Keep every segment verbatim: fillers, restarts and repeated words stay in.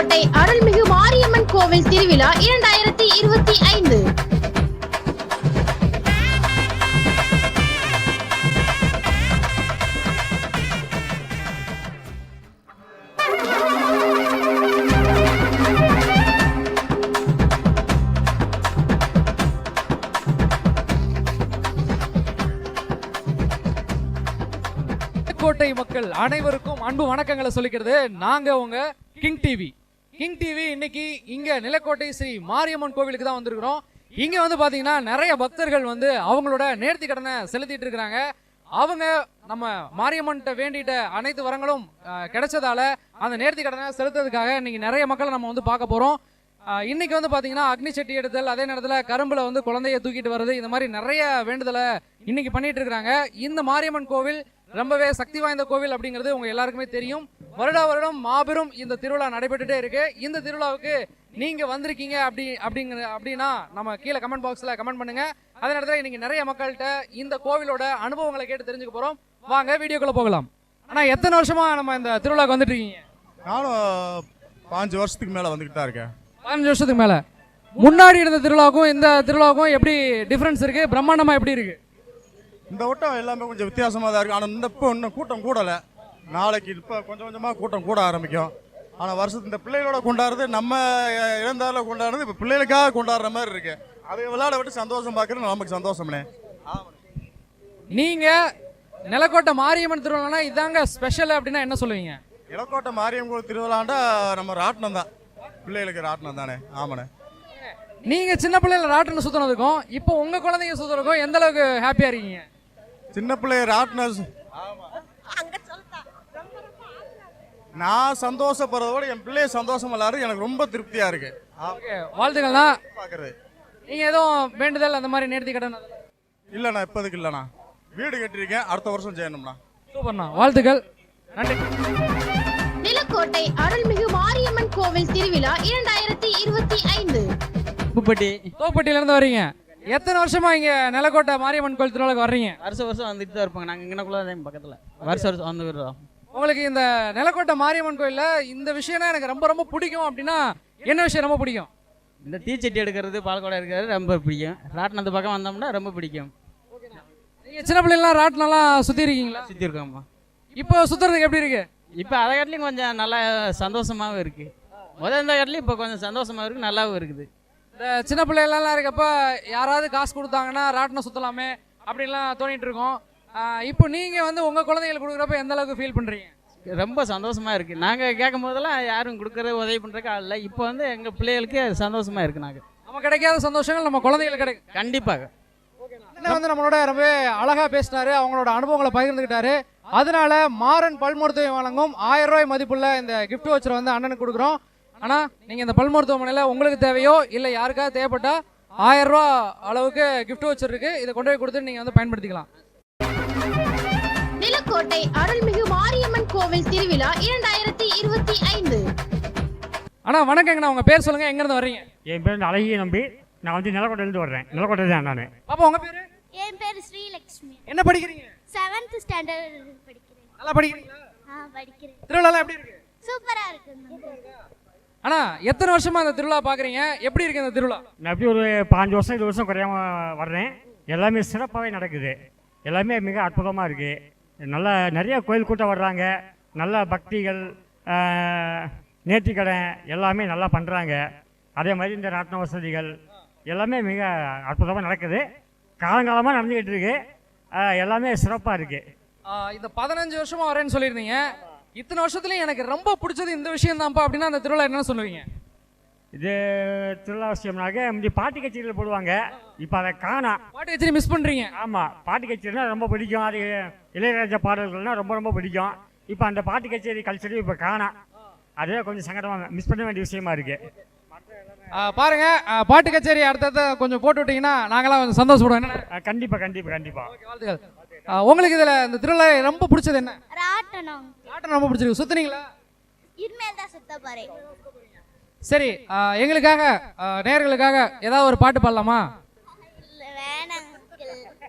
நிலக்கோட்டை அருள்மிகு மாரியம்மன் கோவில் திருவிழா இரண்டாயிரத்தி இருபத்தி ஐந்து. கோட்டை மக்கள் அனைவருக்கும் அன்பு வணக்கங்களை சொல்லிக்கிறது நாங்க உங்க கிங் டிவி. கிங் டிவி இன்னைக்கு இங்க நிலக்கோட்டை ஸ்ரீ மாரியம்மன் கோவிலுக்கு தான் வந்திருக்கிறோம். இங்க வந்து பாத்தீங்கன்னா நிறைய பக்தர்கள் வந்து அவங்களோட நேர்த்தி கடனை செலுத்திட்டு இருக்கிறாங்க. அவங்க நம்ம மாரியம்மன்கிட்ட வேண்டிட்ட அனைத்து வரங்களும் கிடைச்சதால அந்த நேர்த்தி கடனை செலுத்துறதுக்காக இன்னைக்கு நிறைய மக்களை நம்ம வந்து பார்க்க போறோம். இன்னைக்கு வந்து பாத்தீங்கன்னா அக்னி சட்டி எடுத்தல், அதே நேரத்தில் கரும்புல வந்து குழந்தைய தூக்கிட்டு வர்றது, இந்த மாதிரி நிறைய வேண்டுதலை இன்னைக்கு பண்ணிட்டு இருக்கிறாங்க. இந்த மாரியம்மன் கோவில் ரொம்பவே சக்தி வாய்ந்த கோவில் அப்படிங்கிறது உங்க எல்லாருக்குமே தெரியும். வருடா வருடம் மாபெரும் இந்த திருவிழா நடைபெற்றுட்டே இருக்கு. இந்த திருவிழாவுக்கு நீங்க வந்திருக்கீங்க அப்படி அப்படிங்கிற அப்படின்னா நம்ம கீழே கமெண்ட் பாக்ஸ்ல கமெண்ட் பண்ணுங்க. அதே நேரத்தில் இன்னைக்கு நிறைய மக்கள்கிட்ட இந்த கோவிலோட அனுபவங்களை கேட்டு தெரிஞ்சுக்க போறோம். வாங்க வீடியோக்குள்ள போகலாம். ஆனா எத்தனை வருஷமா நம்ம இந்த திருவிழாவுக்கு வந்துட்டு இருக்கீங்க? நானும் பாஞ்சு வருஷத்துக்கு மேல வந்துகிட்டு தான் இருக்கேன். பதினஞ்சு வருஷத்துக்கு மேல. முன்னாடி இருந்த திருவிழாவுக்கும் இந்த திருவிழாவுக்கும் எப்படி டிஃபரன்ஸ் இருக்கு? பிரம்மாண்டமா எப்படி இருக்கு? இந்த வட்டம் எல்லாமே கொஞ்சம் வித்தியாசமாக தான் இருக்குது. ஆனால் இந்த இப்போ இன்னும் கூட்டம் கூடலை. நாளைக்கு இப்போ கொஞ்சம் கொஞ்சமாக கூட்டம் கூட ஆரம்பிக்கும். ஆனால் வருஷத்து இந்த பிள்ளைகளோட கொண்டாடுறது, நம்ம இழந்தாரில் கொண்டாடுறது இப்போ பிள்ளைகளுக்காக கொண்டாடுற மாதிரி இருக்கு. அதை விளையாட விட்டு சந்தோஷம் பார்க்குறது நமக்கு சந்தோஷம்னே. நீங்கள் நிலக்கோட்டை மாரியம்மன் திருவிழானா இதாங்க ஸ்பெஷல் அப்படின்னா என்ன சொல்லுவீங்க? நிலக்கோட்டை மாரியம்மன் திருவிழாண்டா நம்ம ராட்டினம் தான், பிள்ளைகளுக்கு ராட்டினம் தானே. ஆமாண்ணே. நீங்கள் சின்ன பிள்ளைல ராட்டினம் சுற்றினதுக்கும் இப்போ உங்கள் குழந்தைங்க சுற்றுறதுக்கும் எந்த அளவுக்கு ஹாப்பியாக இருக்கீங்க? சின்ன பிள்ளை ராட்டினம் நான் சந்தோஷப்படுறத விட என் பிள்ளைய சந்தோஷம் எல்லாரும் எனக்கு ரொம்ப திருப்தியா இருக்கு. வாழ்த்துக்கள்ண்ணா. பாக்குறது நீங்க எதுவும் வேண்டுதல் அந்த மாதிரி நேர்த்தி கடன்? இல்லண்ணா, இப்போதைக்கு இல்லண்ணா. வீடு கட்டிருக்கேன், அடுத்த வருஷம் செய்யணும்ண்ணா. சூப்பர்ண்ணா, வாழ்த்துக்கள். நன்றி. நிலக்கோட்டை அருள்மிகு மாரியம்மன் கோவில் திருவிழா இரண்டாயிரத்தி இருபத்தி ஐந்து. தோப்பட்டி தோப்பட்டியில இருந்து வரீங்க. எத்தனை வருஷமா இங்க நிலக்கோட்டை மாரியம்மன் கோவில் திருவிழாக்கு வர்றீங்க? வருஷம் வருஷம் வந்துட்டு தான் இருப்பாங்க. நாங்கள் இங்கனக்குள்ள பக்கத்தில் வருஷம் வருஷம் வந்து விடுறோம். உங்களுக்கு இந்த நிலக்கோட்டை மாரியம்மன் கோயில்ல இந்த விஷயம்னா எனக்கு ரொம்ப ரொம்ப பிடிக்கும் அப்படின்னா என்ன விஷயம் ரொம்ப பிடிக்கும்? இந்த தீச்சட்டி எடுக்கிறது, பால்கோடை எடுக்கிறது ரொம்ப பிடிக்கும். ராட்டினத்து பக்கம் வந்தோம்னா ரொம்ப பிடிக்கும். நீங்க சின்ன பிள்ளைலாம் ராட்டினம்லாம் சுற்றி இருக்கீங்களா? சுற்றி இருக்கோம்மா. இப்போ சுற்றுறதுக்கு எப்படி இருக்கு? இப்போ அதை காட்டிலையும் கொஞ்சம் நல்லா சந்தோஷமாகவும் இருக்குது. முதல் இந்த காட்டிலையும் இப்போ கொஞ்சம் சந்தோஷமாக இருக்குது, நல்லாவும் இருக்குது. இந்த சின்ன பிள்ளைகள்லாம் இருக்கப்ப யாராவது காசு கொடுத்தாங்கன்னா ராட்டினம் சுற்றலாமே அப்படின்லாம் தோணிட்டு இருக்கோம். இப்போ நீங்கள் வந்து உங்கள் குழந்தைங்களுக்கு கொடுக்குறப்ப எந்த அளவுக்கு ஃபீல் பண்ணுறீங்க? ரொம்ப சந்தோஷமாக இருக்குது. நாங்கள் கேட்கும் போதெல்லாம் யாரும் கொடுக்குறது உதவி பண்ணுறதுக்கு ஆள் இல்லை. இப்போ வந்து எங்கள் பிள்ளைகளுக்கு சந்தோஷமாக இருக்குது. நாங்கள் நம்ம கிடைக்காத சந்தோஷங்கள் நம்ம குழந்தைங்களுக்கு கிடைக்கும். கண்டிப்பாக. வந்து நம்மளோட ரொம்ப அழகாக பேசினாரு, அவங்களோட அனுபவங்களை பகிர்ந்துக்கிட்டாரு. அதனால மாறன் பல் மருத்துவம் வழங்கும் ஆயிரம் ரூபாய் மதிப்புள்ள இந்த கிஃப்ட் வச்சரை வந்து அண்ணனுக்கு கொடுக்குறோம். ஆனால் நீங்கள் இந்த பல் மருத்துவமனையில் உங்களுக்கு தேவையோ இல்லை யாருக்காவது தேவைப்பட்டா ஆயிரம் ரூபா அளவுக்கு கிஃப்ட் வச்சர் இருக்கு. இதை கொண்டு போய் கொடுத்து நீங்கள் வந்து பயன்படுத்திக்கலாம். நிலக்கோட்டை அருள்மிகு மாரியம்மன் கோவில் திருவிழா இரண்டாயிரத்தி இருபத்தி ஐந்து. அண்ணா வணக்கங்கண்ணா, உங்க பேர் சொல்லுங்க, எங்க இருந்து வர்றீங்க? என் பேர் அழகிய நம்பி. நான் வந்து நிலக்கோட்டையிலிருந்து வர்றேன். நிலக்கோட்டை தான் நான். பாப்பா உங்க பேரு? என் பேர் ஸ்ரீலக்ஷ்மி. என்ன படிக்கிறீங்க? செவன்த் ஸ்டாண்டர்ட் படிக்கிறேன். நல்லா படிக்கிறீங்களா? ஆ படிக்கிறேன். திருவிழா எப்படி இருக்கு? சூப்பரா இருக்கு. அண்ணா எத்தனை வருஷமா இந்த திருவிழா பாக்குறீங்க? எப்படி இருக்கு இந்த திருவிழா? நான் எப்படி ஒரு பாஞ்சு வருஷம் இருபது வருஷம் குறையாம வர்றேன். எல்லாமே சிறப்பாகவே நடக்குது. எல்லாமே மிக அற்புதமாக இருக்குது. நல்லா நிறைய கோயில் கூட்டம் வர்றாங்க. நல்ல பக்திகள், நேர்த்திக்கடை எல்லாமே நல்லா பண்ணுறாங்க. அதே மாதிரி இந்த ராட்டின வசதிகள் எல்லாமே மிக அற்புதமாக நடக்குது. காலங்காலமாக நடந்துக்கிட்டு இருக்கு. எல்லாமே சிறப்பாக இருக்குது. இந்த பதினஞ்சு வருஷமா வரேன்னு சொல்லியிருந்தீங்க. இத்தனை வருஷத்துலையும் எனக்கு ரொம்ப பிடிச்சது இந்த விஷயம் தான்ப்பா அப்படின்னா அந்த திருவிழா என்ன சொல்லுவீங்க? இது திருவிழா விஷயம்னாக்க முந்தி பாட்டு கச்சேரியில் போடுவாங்க. இப்போ அதை காணா. பாட்டு கச்சேரி மிஸ் பண்ணுறீங்க? ஆமாம், பாட்டு கச்சேரினா ரொம்ப பிடிக்கும். அது இளையராஜா பாடல்கள்னால் ரொம்ப ரொம்ப பிடிக்கும். இப்போ அந்த பாட்டு கச்சேரி கல்ச்சரி இப்போ காணா. அதே கொஞ்சம் சங்கடமாக மிஸ் பண்ண வேண்டிய விஷயமா இருக்கு. பாருங்க, பாட்டு கச்சேரி அடுத்தது கொஞ்சம் போட்டு விட்டீங்கன்னா நாங்களாம் கொஞ்சம் சந்தோஷப்படுவோம். கண்டிப்பாக கண்டிப்பாக கண்டிப்பாக. வாழ்த்துக்கள். உங்களுக்கு இதில் இந்த திருவிழா ரொம்ப பிடிச்சது என்ன? ராட்டனம். ராட்டனம் ரொம்ப பிடிச்சிருக்கு. சுத்துனீங்களா? இனிமேல் தான் சுத்த போறேன். சரி, எங்களுக்காக நேயர்களுக்காக ஏதாவது ஒரு பாட்டு பாடலாமா? வேணாம்.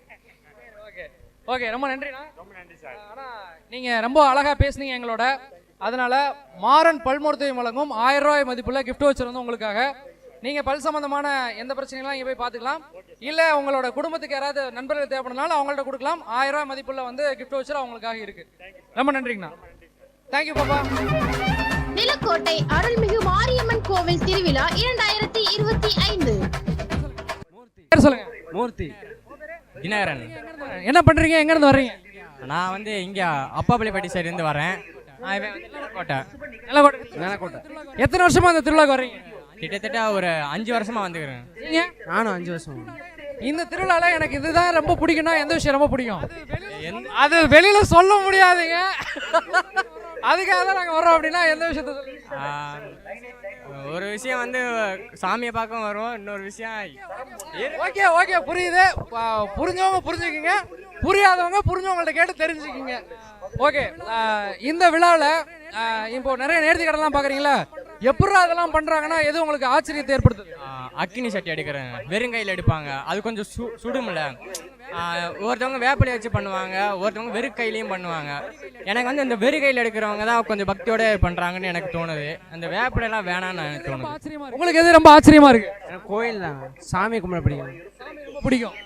ஓகே ஓகே, ரொம்ப நன்றிண்ணா. ரொம்ப நன்றி சார். ஆனால் நீங்கள் ரொம்ப அழகாக பேசுனீங்க எங்களோட. அதனால மாறன் பல் மருத்துவம் வழங்கும் ஆயிரம் ரூபாய் மதிப்புள்ள கிஃப்ட் வச்சர் வந்து உங்களுக்காக. நீங்க பல் சம்பந்தமான எந்த பிரச்சனைகளும் இங்கே போய் பார்த்துக்கலாம். இல்ல உங்களோட குடும்பத்துக்கு யாராவது நண்பர்கள் தேவைப்படுனாலும் அவங்கள்ட்ட கொடுக்கலாம். ஆயிரம் ரூபாய் மதிப்புள்ள வந்து கிஃப்ட் வச்சர் அவங்களுக்காக இருக்கு. ரொம்ப நன்றிங்கண்ணா. தேங்க்யூ பாப்பா. நிலக்கோட்டை அருள்மிகு மாரியம்மன் கோவில் திருவிழா இரண்டாயிரத்தி இருபத்தி ஐந்து. பேர் சொல்லுங்க. மூர்த்தி தினகரன். என்ன பண்றீங்க, எங்க இருந்து வர்றீங்க? நான் வந்து இங்க அப்பாப்பள்ளிப்பட்டி சைடு இருந்து வரேன். நான் இவன் வந்து நிலக்கோட்டை. நிலக்கோட்டை. நிலக்கோட்டை. எத்தனை வருஷமா இந்த திருவிழாக்கு வர்றீங்க? கிட்டத்தட்ட ஒரு அஞ்சு வருஷமா வந்துக்கிறேன். நீங்க? நானும் அஞ்சு வருஷம். இந்த திருவிழால எனக்கு இதுதான் ரொம்ப பிடிக்கும்னா எந்த விஷயம் ரொம்ப பிடிக்கும்? அது வெளியில சொல்ல முடியாதுங்க. அதுக்காக தான் நாங்க வரோம். அப்படின்னா எந்த விஷயத்த சொல்லுங்க? ஒரு விஷயம் வந்து சாமியை பார்க்க வருவோம். இன்னொரு விஷயம் ஓகே ஓகே புரியுது. புரிஞ்சவங்க புரிஞ்சுக்கிங்க, புரியாதவங்க புரிஞ்சவங்கள்ட்ட கேட்டு தெரிஞ்சுக்கிங்க. ஓகே, இந்த விழாவில் இப்போ நிறைய நேர்த்தி கடலாம் பார்க்குறீங்களா? எப்படி அதெல்லாம் பண்ணுறாங்கன்னா எது உங்களுக்கு ஆச்சரியத்தை ஏற்படுத்துது? அக்கினி சட்டி எடுக்கிறேன், வெறுங்கையில் எடுப்பாங்க. அது கொஞ்சம் சு சுடுமில்ல. ஒருத்தவங்க வேப்பிலையை வச்சு பண்ணுவாங்க, ஒருத்தவங்க வெறு கையிலையும் பண்ணுவாங்க. எனக்கு வந்து இந்த வெறு கையில் எடுக்கிறவங்க தான் கொஞ்சம் பக்தியோட பண்ணுறாங்கன்னு எனக்கு தோணுது. அந்த வேப்பிலையெல்லாம் வேணான்னு எனக்கு தோணுது. உங்களுக்கு எது ரொம்ப ஆச்சரியமா இருக்கு? எனக்கு கோயில் தான், சாமி கும்பிட பிடிக்கும். பிடிக்கும்.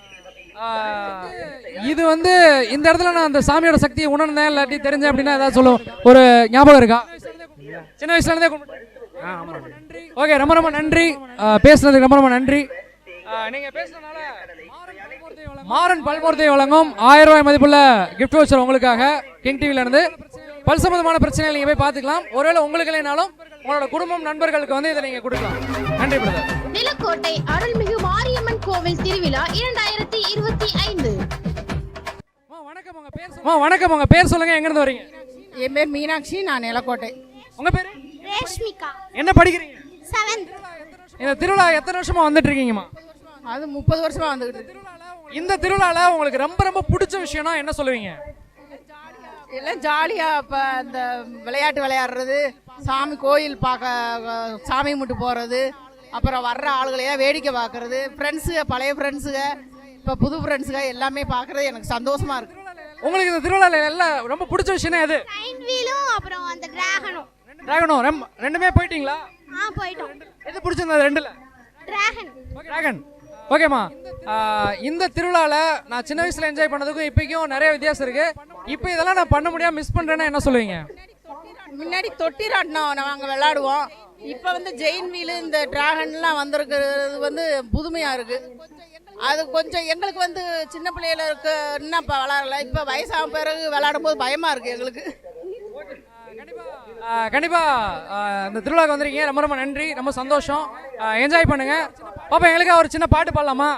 இது வந்து இந்த இடத்துல நான் அந்த சாமியோட சக்தியை உணர்ந்தேன் இல்லாட்டி தெரிஞ்சேன் அப்படின்னா ஏதாவது சொல்லுவோம். ஒரு ஞாபகம் இருக்கா? சின்ன வயசுல இருந்தே ஓகே. ரொம்ப ரொம்ப நன்றி பேசுனதுக்கு. ரொம்ப ரொம்ப நன்றி. நீங்க பேசுனதுனால மாறன் பல் மருத்துவம் வழங்கும் ஆயிரம் ரூபாய் மதிப்புள்ள கிஃப்ட் வச்சர் உங்களுக்காக கிங் டிவில இருந்து. பல் சம்பந்தமான பிரச்சனைகள் நீங்க போய் பார்த்துக்கலாம். ஒருவேளை உங்களுக்கு இல்லைனாலும் உங்களோட குடும்பம் நண்பர்களுக்கு வந்து இதை நீங்க கொடுக்கலாம். நன்றி பிரதர். நிலக்கோட்டை அருள்மிகு மாரியம்மன் கோவில் திருவிழா இரண்டாயிரத்தி இருபத்தி ஐந்து. வணக்கம், உங்க பேர் சொல்லுங்க. வணக்கம், உங்க பேர் சொல்லுங்க. எங்க இருந்து வரீங்க? என் பேர் மீனாட்சி, நான் நிலக்கோட்டை. உங்க பேரு? ரேஷ்மிகா. என்ன படிக்கிறீங்க? செவன்த். இந்த திருவிழா எத்தனை வருஷமா வந்துட்டு இருக்கீங்கம்மா? அது முப்பது வருஷமா வந்துகிட்டு. இந்த திருவிழால உங்களுக்கு ரொம்ப ரொம்ப பிடிச்ச விஷயம்னா என்ன சொல்லுவீங்க? எல்லாம் ஜாலியா இப்ப இந்த விளையாட்டு விளையாடுறது, சாமி கோயில் பார்க்க சாமி முட்டு போறது, அப்புறம் வர்ற ஆளுகளையா வேடிக்கை பார்க்கறது, ஃப்ரெண்ட்ஸுக பழைய ஃப்ரெண்ட்ஸுக இப்போ புது ஃப்ரெண்ட்ஸுக எல்லாமே பார்க்கறது எனக்கு சந்தோஷமா இருக்கு. உங்களுக்கு இந்த திருவிழால எல்லாம் ரொம்ப பிடிச்ச விஷயம் எது? ட்ரெயின் வீலும் அப்புறம் அந்த டிராகனும். டிராகனும் ரெண்டுமே போயிட்டீங்களா? ஆ போய்ட்டோம். எது பிடிச்சிருந்தது ரெண்டுல? டிராகன். டிராகன். ஓகேம்மா. இந்த திருவிழால நான் சின்ன வயசுல என்ஜாய் பண்ணதுக்கும் இப்போக்கும் நிறைய வித்தியாசம் இருக்கு. இப்போ இதெல்லாம் நான் பண்ண முடியாம மிஸ் பண்றேன்னா என்ன சொல்லுவீங்க? முன்னாடி தொட்டி ராட்டினம் நாங்கள் விளையாடுவோம். இப்போ வந்து ஜெயின் வீலு இந்த டிராகன்லாம் வந்திருக்கிறது வந்து புதுமையாக இருக்குது. அது கொஞ்சம் எங்களுக்கு வந்து சின்ன பிள்ளையில இருக்கு இன்னும் இப்போ விளையாடல. இப்போ வயசாக பிறகு விளையாடும் போது பயமாக இருக்குது எங்களுக்கு. கண்டிப்பா இந்த திருவிழாக்கு வந்திருக்கீங்க. ரொம்ப ரொம்ப நன்றி, ரொம்ப சந்தோஷம். என்ஜாய் பண்ணுங்க. பாப்பா, எங்களுக்கு ஒரு சின்ன பாட்டு பாடலாமா?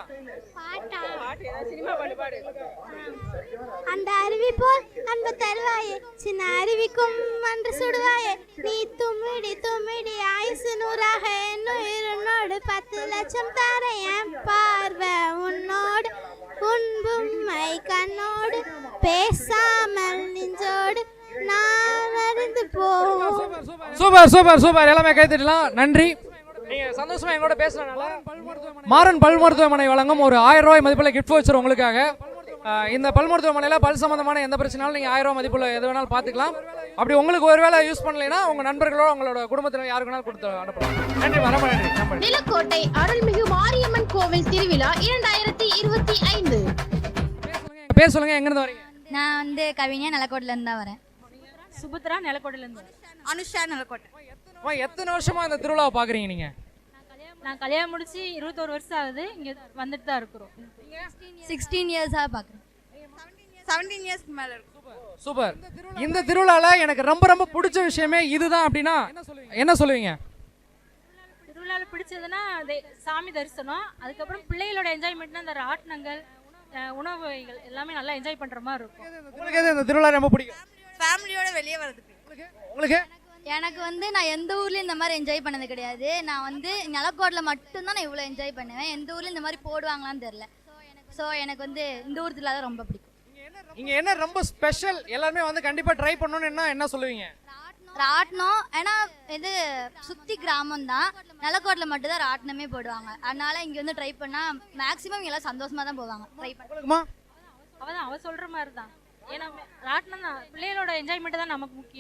அந்த அருவி போல் அன்பு தருவாயே, சின்ன அருவிக்கும் அன்று சுடுவாயே, நீ தும்மிடி தும்மிடி ஆயுசு நூறாக என்னோடு பத்து லட்சம் தார என் பார்வை உன்னோடு, உன்பும்மை கண்ணோடு பேசாமல் நெஞ்சோடு நான் அறிந்து போவோம். Super super super. எல்லாமே கைத்தட்டலாம். நன்றி. நீங்க சந்தோஷமா எங்களோட பேசுறதுனால மாறன் பல் மருத்துவமனை வழங்கும் ஒரு ஆயிரம் ரூபாய் மதிப்புள்ள கிஃப்ட் வச்சர் உங்களுக்காக. இந்த பல் மருத்துவமனையில பல் சம்பந்தமான எந்த பிரச்சனாலும் நீங்க ஆயிரம் ரூபாய் மதிப்புள்ள எது வேணாலும் பாத்துக்கலாம். அப்படி உங்களுக்கு ஒருவேளை யூஸ் பண்ணலைன்னா உங்க நண்பர்களோ உங்களோட குடும்பத்தினர் யாருக்கு வேணாலும் கொடுத்து அனுப்பலாம். நன்றி, ரொம்ப நன்றி. நிலக்கோட்டை அருள்மிகு மாரியம்மன் கோவில் திருவிழா இரண்டாயிரத்தி இருபத்தி ஐந்து. பேர் சொல்லுங்க. எங்க இருந்து வரீங்க? நான் வந்து கவிஞா நிலக்கோட்டையில இருந்து தான் வரேன். சுபத்ரா நிலக்கோட்டையில இருந்து. அனுஷா நிலக்கோட்டை. எத்தனை வருஷமா இந்த திருவிழாவை பாக்குறீங்க நீங்க? நான் கல்யாணம் முடிச்சு இருபத்தோரு வருஷம் ஆகுது. இங்க வந்துட்டு தான் இருக்கிறோம். சிக்ஸ்டீன் இயர்ஸா பாக்குறேன். செவன்டீன் இயர்ஸ்க்கு மேல இருக்கு. சூப்பர். இந்த திருவிழால எனக்கு ரொம்ப ரொம்ப பிடிச்ச விஷயமே இதுதான் அப்படின்னா என்ன சொல்லுவீங்க? திருவிழால பிடிச்சதுன்னா சாமி தரிசனம், அதுக்கப்புறம் பிள்ளைகளோட என்ஜாய்மெண்ட்னா அந்த ராட்டினங்கள், உணவு வகைகள் எல்லாமே நல்லா என்ஜாய் பண்ற மாதிரி இருக்கும். உங்களுக்கு எது இந்த திருவிழா ரொம்ப பிடிக்கும்? ஃபேமிலியோட வெளியே வரதுக்கு. உங்களுக்கு? எனக்கு வந்து நான் எந்த ஊர்லயும் இந்த மாதிரி என்ஜாய் பண்ணது கிடையாது. நான் வந்து நிலக்கோட்டில் மட்டும்தான் நான் இவ்வளோ என்ஜாய் பண்ணுவேன். எந்த ஊர்ல இந்த மாதிரி போடுவாங்களான்னு தெரியல. ஸோ எனக்கு வந்து இந்த ஊர் திருவிழா தான் ரொம்ப பிடிக்கும். இங்க என்ன ரொம்ப ஸ்பெஷல் எல்லாருமே வந்து கண்டிப்பா ட்ரை பண்ணணும்னு என்ன சொல்லுவீங்க? ராட்டினம். ஏன்னா இது சுத்தி கிராமம் தான், நிலக்கோட்டில் மட்டும் தான் ராட்டினமே போடுவாங்க. அதனால இங்க வந்து ட்ரை பண்ணா மேக்ஸிமம் எல்லாம் சந்தோஷமா தான் போவாங்க. ட்ரை பண்ணுமா? அவதான் அவ சொல்ற மாதிரி தான். ஏன்னா ராட்டினம் தான், பிள்ளைகளோட என்ஜாய்மெண்ட் தான் நமக்கு முக்கியம்.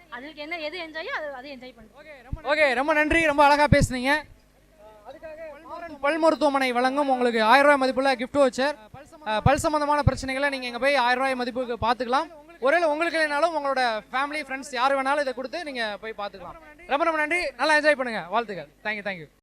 அதுக்கு என்ன எது என்ஜாயோ அது அதை என்ஜாய் பண்ணுறோம். ஓகே, ரொம்ப நன்றி, ரொம்ப அழகா பேசுனீங்க. அதுக்காக பல் மருத்துவமனை வழங்கும் உங்களுக்கு ஆயிரம் ரூபாய் மதிப்புள்ள கிஃப்ட் வச்சர். பல் சம்பந்தமான பிரச்சனைகளை நீங்க இங்க போய் ஆயிரம் ரூபாய் மதிப்புக்கு பாத்துக்கலாம். ஒருவேளை உங்களுக்கு இல்லைனாலும் உங்களோட ஃபேமிலி ஃப்ரெண்ட்ஸ் யார் வேணாலும் இதை கொடுத்து நீங்க போய் பாத்துக்கலாம். ரொம்ப ரொம்ப நன்றி, நல்லா என்ஜாய் பண்ணுங்க. வாழ்த்துக்கள். Thank you thank you.